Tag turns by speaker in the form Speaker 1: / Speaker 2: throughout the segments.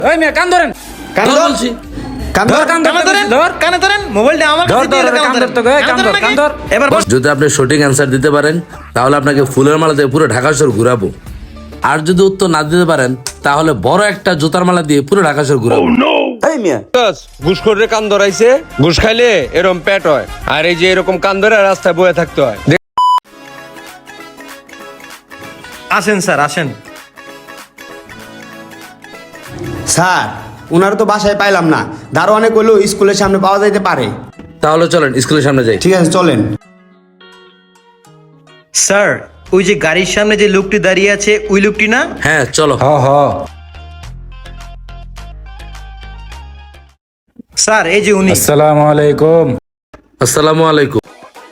Speaker 1: ওই মেয়ে কান ধরেন,
Speaker 2: কান
Speaker 1: ধর
Speaker 2: ধর।
Speaker 1: বলছি।
Speaker 2: কান
Speaker 1: ধর,
Speaker 2: ধর,
Speaker 1: কান
Speaker 2: কানে
Speaker 1: ধর,
Speaker 2: ধরেন,
Speaker 1: ধর।
Speaker 2: কানে ধরেন, মোবাইলটা আমার
Speaker 1: ধর,
Speaker 2: কাছে দিয়ে
Speaker 1: ধর,
Speaker 2: কান
Speaker 1: কান
Speaker 2: ধরেন।
Speaker 1: ধরতে কই, কান ধর,
Speaker 2: নাকি?
Speaker 1: কান ধর।
Speaker 2: এবার বস।
Speaker 3: যদি আপনি সঠিক অ্যান্সার দিতে পারেন তাহলে আপনাকে ফুলের মালা দিয়ে পুরো ঢাকা শহর ঘুরাবো। আর যদি উত্তর না দিতে পারেন তাহলে বড় একটা জুতার মালা দিয়ে পুরো ঢাকা শহর ঘুরাবো।
Speaker 4: এই মিয়া ঘুষখোরের কান ধরাইছে, ঘুষ খাইলে এরকম পেট হয়, আর এই যে এরকম কান ধরে রাস্তায় বয়ে থাকতে হয়।
Speaker 2: আসেন স্যার, আসেন।
Speaker 5: স্যার ওনার তো বাসায় পাইলাম না, দারোয়ানে কইলো স্কুলের সামনে পাওয়া যাইতে পারে।
Speaker 3: তাহলে চলেন স্কুলের সামনে যাই।
Speaker 5: ঠিক আছে চলেন।
Speaker 2: স্যার, ওই যে গাড়ির সামনে যে লোকটি দাঁড়িয়ে আছে ওই লোকটি না?
Speaker 3: হ্যাঁ চলো।
Speaker 1: হ হ।
Speaker 2: স্যার এই যে উনি।
Speaker 1: আসসালামু আলাইকুম।
Speaker 3: আসসালামু আলাইকুম।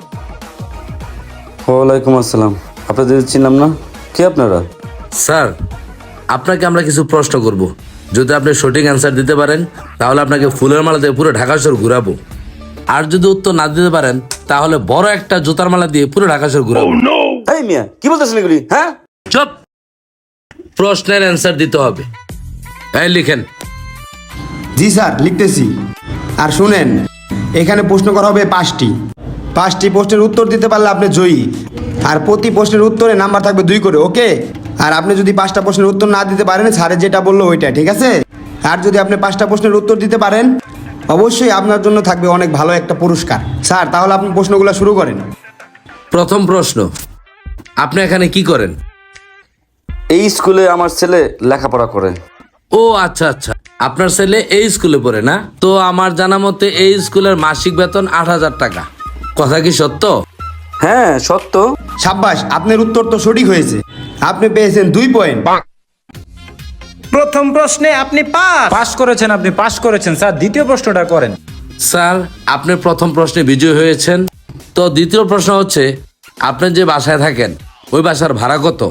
Speaker 6: ওয়ালাইকুম আসসালাম। আপনাদের চিনলাম না, কে আপনারা?
Speaker 3: স্যার আপনাকে আমরা কিছু প্রশ্ন করব। যদি আপনি সঠিক অ্যান্সার দিতে পারেন তাহলে আপনাকে ফুলের মালা দিয়ে পুরো ঢাকা শহর ঘুরাবো। আর যদি উত্তর না দিতে পারেন তাহলে বড় একটা জুতার মালা দিয়ে পুরো ঢাকা শহর ঘুরাবো।
Speaker 6: এই মিয়া কি বলতেছেন এগুলি? হ্যাঁ,
Speaker 3: চুপ। প্রশ্নের অ্যান্সার দিতে হবে। এই লিখেন।
Speaker 5: জি স্যার লিখতেছি। আর শুনেন, এখানে প্রশ্ন করা হবে 5টি প্রশ্নের উত্তর দিতে পারলে আপনি জয়ী। আর প্রতি প্রশ্নের উত্তরে নাম্বার থাকবে 2 করে, ওকে? আর আপনি যদি 5টা প্রশ্নের উত্তর না দিতে পারেন, স্যারে যেটা বললো ওইটা, ঠিক আছে? আর যদি আপনি 5টা প্রশ্নের উত্তর দিতে পারেন অবশ্যই আপনার জন্য থাকবে অনেক ভালো একটা পুরস্কার। স্যার তাহলে আপনি প্রশ্নগুলো শুরু করেন।
Speaker 3: প্রথম প্রশ্ন, আপনি এখানে কি করেন?
Speaker 6: এই স্কুলে আমার ছেলে লেখাপড়া করে।
Speaker 3: ও আচ্ছা আচ্ছা, আপনার ছেলে এই স্কুলে পড়ে না? তো আমার জানা মতে এই স্কুলের মাসিক বেতন 8,000 টাকা। কথা কি সত্য?
Speaker 6: হ্যাঁ সত্য।
Speaker 5: সাব্বাস, আপনার উত্তর তো সঠিক হয়েছে। আপনি পেয়েছেন 2 পয়েন্ট।
Speaker 2: প্রথম প্রশ্নে আপনি পাস।
Speaker 1: পাস করেছেন, আপনি পাস করেছেন। স্যার দ্বিতীয় প্রশ্নটা করেন।
Speaker 3: স্যার আপনি প্রথম প্রশ্নে বিজয়ী হয়েছেন। তো দ্বিতীয় প্রশ্ন হচ্ছে, আপনি যে বাসায় থাকেন ওই বাসার ভাড়া কত?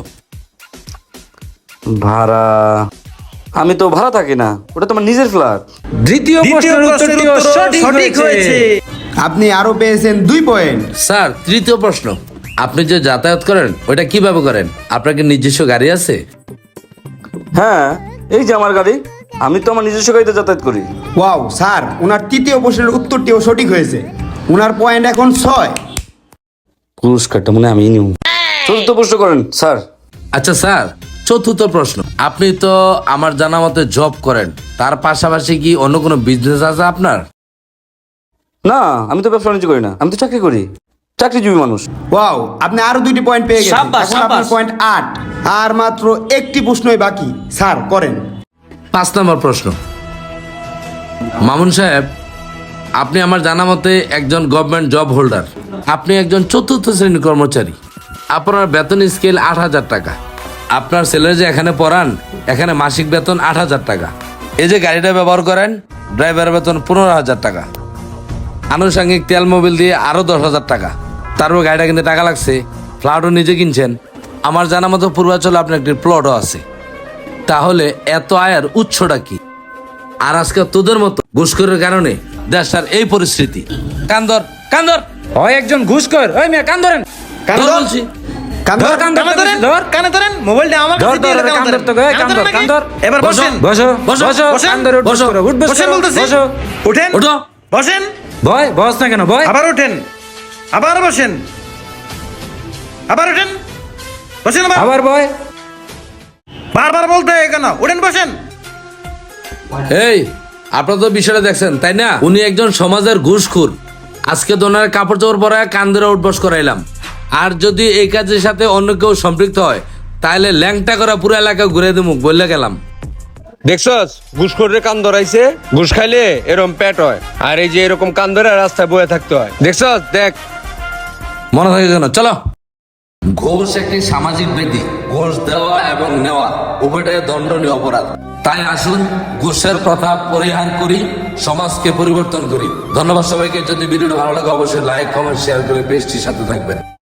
Speaker 6: ভাড়া? আমি তো ভাড়া থাকি না, ওটা তোমার নিজের ফ্ল্যাট।
Speaker 1: দ্বিতীয়
Speaker 2: দ্বিতীয়
Speaker 1: প্রশ্নের
Speaker 2: প্রশ্নের
Speaker 1: উত্তরটিও
Speaker 2: উত্তর
Speaker 1: সঠিক
Speaker 2: সঠিক
Speaker 1: হয়েছে।
Speaker 2: হয়েছে।
Speaker 5: আপনি আরো পেয়েছেন 2 পয়েন্ট।
Speaker 3: স্যার তৃতীয় প্রশ্ন, আপনি যে যাতায়াত করেন ওইটা কিভাবে করেন? আপনার কি নিজস্ব গাড়ি আছে?
Speaker 6: হ্যাঁ, এই যে আমার গাড়ি, আমি তো আমার নিজস্ব গাড়িতে যাতায়াত করি।
Speaker 5: ওয়াও স্যার, ওনার তৃতীয় প্রশ্নের উত্তরটিও সঠিক হয়েছে। ওনার পয়েন্ট এখন 6।
Speaker 6: পুরস্কারটা মনে হয় আমি নিব। চতুর্থ প্রশ্ন করেন স্যার।
Speaker 3: আচ্ছা স্যার, চতুর্থ প্রশ্ন, আপনি তো আমার জানা মতে জব করেন, তার পাশাপাশি কি অন্য কোনো বিজনেস আছে আপনার?
Speaker 6: না, আমি তো ব্যবসা বাণিজ্য করি না, আমি তো চাকরি করি, চাকরিজীবী মানুষ।
Speaker 5: ওয়াও, আপনি আরো 2টি পয়েন্ট পেয়ে গেছেন।
Speaker 2: সাব্বাস,
Speaker 5: এখন আপনার
Speaker 2: সাব্বাস।
Speaker 5: পয়েন্ট 8। আর মাত্র একটি প্রশ্নই বাকি। স্যার করেন।
Speaker 3: 5 নম্বর প্রশ্ন, মামুন সাহেব, আপনি আমার জানা মতে একজন গভর্নমেন্ট জব হোল্ডার। আপনি একজন 4র্থ শ্রেণীর কর্মচারী। আপনার বেতন স্কেল 8,000 টাকা। আপনার ছেলে যে এখানে পড়ান, এখানে মাসিক বেতন 8,000 টাকা। এই যে গাড়িটা ব্যবহার করেন, ড্রাইভারের বেতন 15,000 টাকা। আনুষঙ্গিক তেল মোবিল দিয়ে আরো 10,000 টাকা। তারপর গাড়িটা কিনতে টাকা লাগছে, ফ্ল্যাটও নিজে কিনছেন। আমার জানা মতো পূর্বাঞ্চলে আপনার একটি প্লটও আছে। তাহলে এত আয়ের উৎসটা কি? আর আজকে তোদের মতো ঘুষখোরের কারণে দেশটার এই পরিস্থিতি। কান্দর কান্দর।
Speaker 1: হয় একজন ঘুষখোর। ওই মেয়ে কান ধরেন,
Speaker 5: কান
Speaker 3: ধর
Speaker 5: ধর।
Speaker 3: বলছি।
Speaker 5: কান
Speaker 1: ধর,
Speaker 5: ধর।
Speaker 1: কান
Speaker 2: কানে ধরেন,
Speaker 1: ধর।
Speaker 2: কানে ধরেন, মোবাইলটা আমার
Speaker 1: ধর,
Speaker 2: কাছে দিয়ে
Speaker 1: ধর,
Speaker 2: কান
Speaker 1: কান
Speaker 2: ধরেন।
Speaker 1: ধরতে কই,
Speaker 2: কান
Speaker 1: কান
Speaker 2: ধরেন
Speaker 1: ধর,
Speaker 2: নাকি?
Speaker 1: কান ধর।
Speaker 2: এবার বসেন।
Speaker 1: বসো
Speaker 3: বসো,
Speaker 1: বসো,
Speaker 2: বসেন,
Speaker 1: কান ধরে উঠবস
Speaker 3: বসো,
Speaker 1: করো, উঠবস
Speaker 2: বসেন
Speaker 1: করো,
Speaker 2: বলতেছি।
Speaker 1: বসো।
Speaker 2: উঠেন,
Speaker 3: ওঠো।
Speaker 2: বসেন,
Speaker 1: ভয় বস না কেন, ভয়।
Speaker 2: আবার ওঠেন, আবার বসেন, আবার ওঠেন, বসেন আবার।
Speaker 1: আবার ভয়।
Speaker 2: বারবার বলতে হয় কেন? উঠেন, বসেন।
Speaker 3: এই আপনারা তো বিষয়টা দেখছেন তাই না? উনি একজন সমাজের ঘুষখোর। আজকে দোনার কাপড় চোপড় পরায় কান ধরে উঠবস করাইলাম। আর যদি এই কাজের সাথে অন্য কেউ সম্পৃক্ত হয় তাহলে ল্যাংটা করা পুরো এলাকা ঘুরে দেবো বললে গেলাম।
Speaker 4: দেখছস ঘুষখোরের কান ধরাইছে, ঘুষ খাইলে এরকম পেট হয়, আর এই যে এরকম কান ধরে রাস্তায় বয়ে থাকতে হয়। দেখছস, দেখ।
Speaker 3: মনে থাকে যেন। চলো। ঘুষ একটি সামাজিক ব্যাধি। ঘুষ দেওয়া এবং নেওয়া উভয়টাই দণ্ডনীয় অপরাধ। তাই আসুন ঘুষের প্রথা পরিহার করি, সমাজকে পরিবর্তন করি। ধন্যবাদ সবাইকে। যদি ভিডিওটি ভালো লাগে অবশ্যই লাইক, কমেন্ট, শেয়ার করে পেজটির সাথে থাকবেন।